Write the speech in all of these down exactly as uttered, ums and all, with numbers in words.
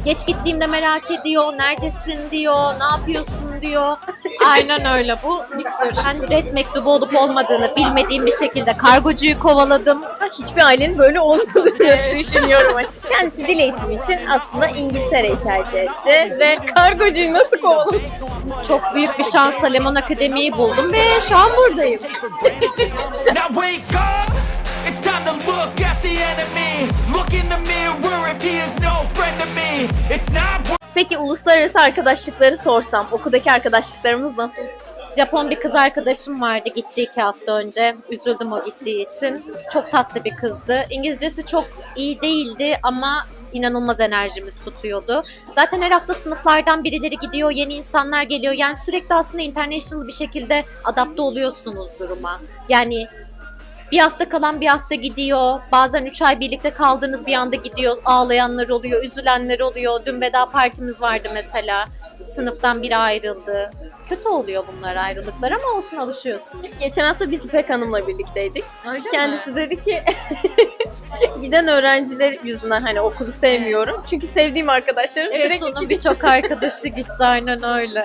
Geç gittiğimde merak ediyor, neredesin diyor, ne yapıyorsun diyor. Aynen öyle, bu bir sır. Ben red mektubu olup olmadığını bilmediğim bir şekilde kargocuyu kovaladım. Hiçbir ailenin böyle olmadığını düşünüyorum açıkçası. Kendisi dil eğitimi için aslında İngiltere'yi tercih etti ve kargocuyu nasıl kovaladı? Çok büyük bir şansla Lemon Akademi'yi buldum ve şu an buradayım. Now wake up! It's time to look at the enemy. Look in the mirror if he is no friend to me. It's not. Peki uluslararası arkadaşlıkları sorsam, okuldaki arkadaşlıklarımız nasıl? Japon bir kız arkadaşım vardı, gitti iki hafta önce. Üzüldüm o gittiği için. Çok tatlı bir kızdı. İngilizcesi çok iyi değildi ama inanılmaz enerjimiz tutuyordu. Zaten her hafta sınıflardan birileri gidiyor, yeni insanlar geliyor. Yani sürekli aslında international bir şekilde adapte oluyorsunuz duruma. Yani bir hafta kalan bir hafta gidiyor. Bazen üç ay birlikte kaldığınız bir anda gidiyor. Ağlayanlar oluyor, üzülenler oluyor. Dün veda partimiz vardı mesela. Sınıftan biri ayrıldı. Kötü oluyor bunlar ayrılıklar ama olsun, alışıyorsunuz. Geçen hafta biz İpek Hanım'la birlikteydik. Öyle Kendisi mi? dedi ki giden öğrenciler yüzünden hani okulu sevmiyorum. Çünkü sevdiğim arkadaşlarım Evet, sürekli onun gidiyor. birçok arkadaşı gitti, aynen öyle.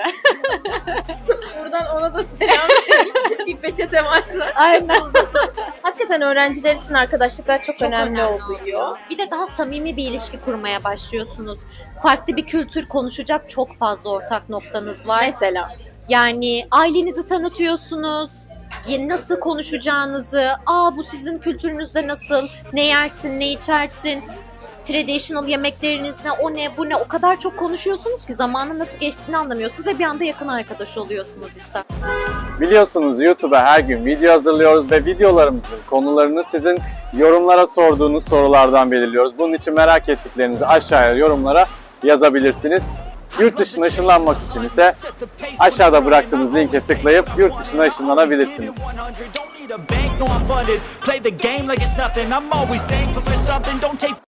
Buradan ona da selam verin. Bir peçete varsa. Aynen. Hakikaten öğrenciler için arkadaşlıklar çok, Çok önemli, önemli oluyor. Bir de daha samimi bir ilişki kurmaya başlıyorsunuz. Farklı bir kültür, konuşacak çok fazla ortak noktanız var. Mesela. Yani ailenizi tanıtıyorsunuz. Yeni nasıl konuşacağınızı, aa bu sizin kültürünüzde nasıl, ne yersin, ne içersin, traditional yemekleriniz ne, o ne, bu ne, o kadar çok konuşuyorsunuz ki zamanın nasıl geçtiğini anlamıyorsunuz ve bir anda yakın arkadaş oluyorsunuz ister. Biliyorsunuz YouTube'a her gün video hazırlıyoruz ve videolarımızın konularını sizin yorumlara sorduğunuz sorulardan belirliyoruz. Bunun için merak ettiklerinizi aşağıya yorumlara yazabilirsiniz. Yurt dışına ışınlanmak için ise aşağıda bıraktığımız linke tıklayıp yurt dışına ışınlanabilirsiniz. Play the game like it's nothing. I'm always thankful for something. Don't take